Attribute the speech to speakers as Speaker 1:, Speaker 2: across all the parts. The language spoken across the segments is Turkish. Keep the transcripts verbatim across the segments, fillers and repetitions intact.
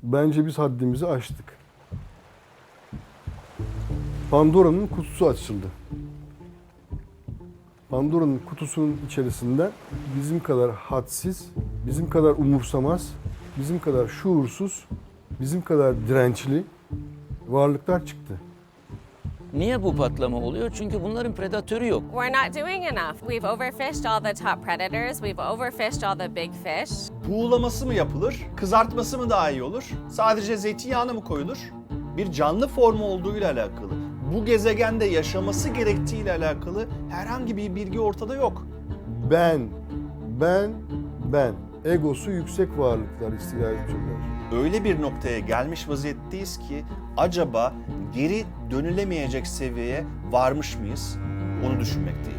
Speaker 1: Bence biz haddimizi aştık. Pandora'nın kutusu açıldı. Pandora'nın kutusunun içerisinden bizim kadar hadsiz, bizim kadar umursamaz, bizim kadar şuursuz, bizim kadar dirençli varlıklar çıktı.
Speaker 2: Niye bu patlama oluyor? Çünkü bunların predatörü yok.
Speaker 3: We're not doing enough. We've overfished all the top predators. We've overfished all the big fish.
Speaker 4: Buğulaması mı yapılır, kızartması mı daha iyi olur, sadece zeytinyağına mı koyulur? Bir canlı formu olduğuyla alakalı, bu gezegende yaşaması gerektiğiyle alakalı herhangi bir bilgi ortada yok.
Speaker 1: Ben, ben, ben. Egosu yüksek varlıklar, istilacı türler.
Speaker 4: Öyle bir noktaya gelmiş vaziyetteyiz ki acaba geri dönülemeyecek seviyeye varmış mıyız? Onu düşünmekteyim.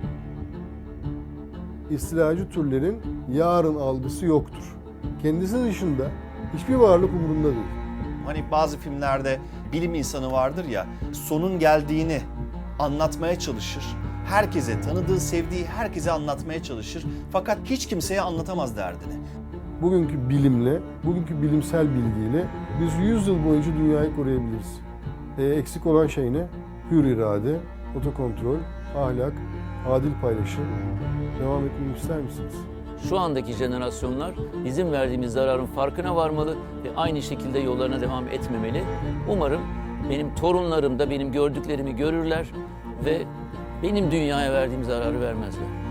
Speaker 1: İstilacı türlerin yarın algısı yoktur. Kendisi dışında hiçbir varlık umurunda değil.
Speaker 4: Hani bazı filmlerde bilim insanı vardır ya, sonun geldiğini anlatmaya çalışır. Herkese, tanıdığı, sevdiği herkese anlatmaya çalışır. Fakat hiç kimseye anlatamaz derdini.
Speaker 1: Bugünkü bilimle, bugünkü bilimsel bilgiyle biz yüz yıl boyunca dünyayı koruyabiliriz. E, eksik olan şey ne? Hür irade, otokontrol, ahlak, adil paylaşım. Devam etmemi ister misiniz?
Speaker 2: Şu andaki jenerasyonlar bizim verdiğimiz zararın farkına varmalı ve aynı şekilde yollarına devam etmemeli. Umarım benim torunlarım da benim gördüklerimi görürler ve benim dünyaya verdiğim zararı vermezler.